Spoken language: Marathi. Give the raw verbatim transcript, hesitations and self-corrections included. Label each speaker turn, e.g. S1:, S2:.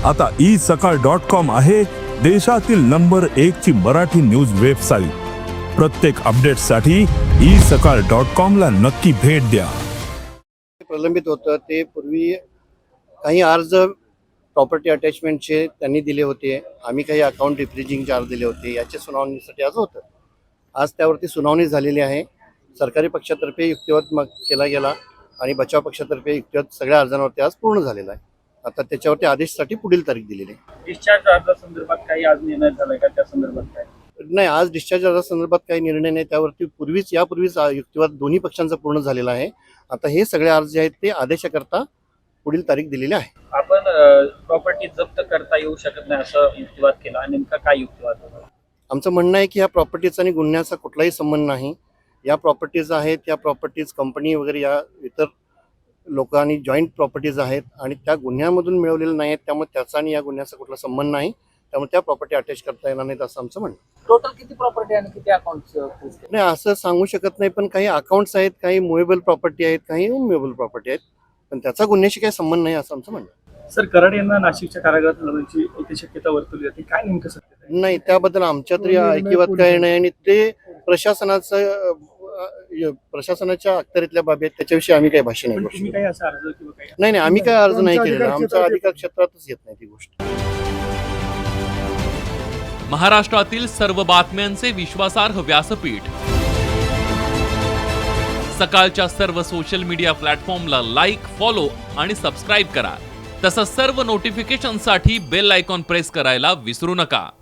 S1: आता ई सकाळ डॉट कॉम आहे देशातील नंबर एक ची मराठी न्यूज वेबसाईट। प्रत्येक अपडेटसाठी ई सकाळ डॉट कॉम ला नक्की भेट द्या।
S2: प्रलंबित होतं ते पूर्वी काही अर्ज प्रॉपर्टी अटॅचमेंटचे त्यांनी दिले होते, आम्ही काही अकाउंट रिफ्रिजिंग चार्ज दिले होते, याच्या सुनावणीसाठी आज होतं। आज त्यावरती सुनावणी झालेली आहे। सरकारी पक्षातर्फे युक्तिवाद मग केला गेला आणि बचाव पक्षातर्फे युक्तिवाद सगळ्या अर्जांवरती आज पूर्ण झालेला आहे। आता त्याच्यावरती आदेशासाठी पुढील तारीख दिलेली आहे।
S3: डिस्चार्ज अर्जासंदर्भात काही आज निर्णय झालाय का? त्या संदर्भात काय
S2: नाही, आज डिस्चार्ज अर्जासंदर्भात काही निर्णय नाही। त्यावरती पूर्वीच यापूर्वीच युक्तिवाद दोन्ही पक्षांचा पूर्ण झालेला आहे। आता हे सगळे अर्ज जे आहेत ते आदेशाकरता पुढील तारीख दिलेली आहे।
S3: आपण प्रॉपर्टी जप्त करता येऊ शकत नाही असं युक्तिवाद केला, नेमका काय युक्तिवाद होता?
S2: आमचं म्हणणं आहे की या प्रॉपर्टीचा आणि गुन्ह्याचा कुठलाही संबंध नाही। या प्रॉपर्टीज आहेत, या प्रॉपर्टीज कंपनी वगैरे या इतर लोकांनी जॉईंट प्रॉपर्टीज आहेत आणि त्या गुन्ह्यामधून मिळवलेल्या नाही आहेत, त्यामुळे त्याचा आणि या गुन्ह्याचा कुठला संबंध नाही। त्यामुळे त्या प्रॉपर्टी अटॅच करता येणार नाहीत असं आमचं म्हणणं।
S3: टोटल किती प्रॉपर्टी आणि किती अकाउंट्स?
S2: नाही, असं सांगू शकत नाही, पण काही अकाउंट्स आहेत, काही मुव्हेबल प्रॉपर्टी आहेत, काही अनमुव्हेबल प्रॉपर्टी आहेत, पण त्याचा गुन्ह्याशी काही संबंध नाही असं आमचं म्हणणं।
S3: सर, कराड यांना नाशिकच्या कारागृहात हलवण्याची एक शक्यता वर्तवली जाते, काय नेमकं सत्य आहे?
S2: नाही, त्याबद्दल आमच्या तरी ऐकिवात काही नाही आणि ते प्रशासनाचं प्रशासनाच्या अखत्यारीतल्या बाबी आहेत, त्याच्याविषयी आम्ही काही भाष्य नाही करू शकत।
S3: काही असा अर्ज किंवा काही
S2: नाही नाही आम्ही काय अर्ज नाही केलेला, आमच्या अधिकार क्षेत्रातच येत नाही ती गोष्ट।
S4: महाराष्ट्रातील सर्व बातम्यांचे विश्वासार्ह व्यासपीठ सकाळच्या सर्व सोशल मीडिया प्लॅटफॉर्मला लाईक, फॉलो आणि सबस्क्राईब करा। तसंच सर्व नोटिफिकेशनसाठी बेल आयकॉन प्रेस करायला विसरू नका।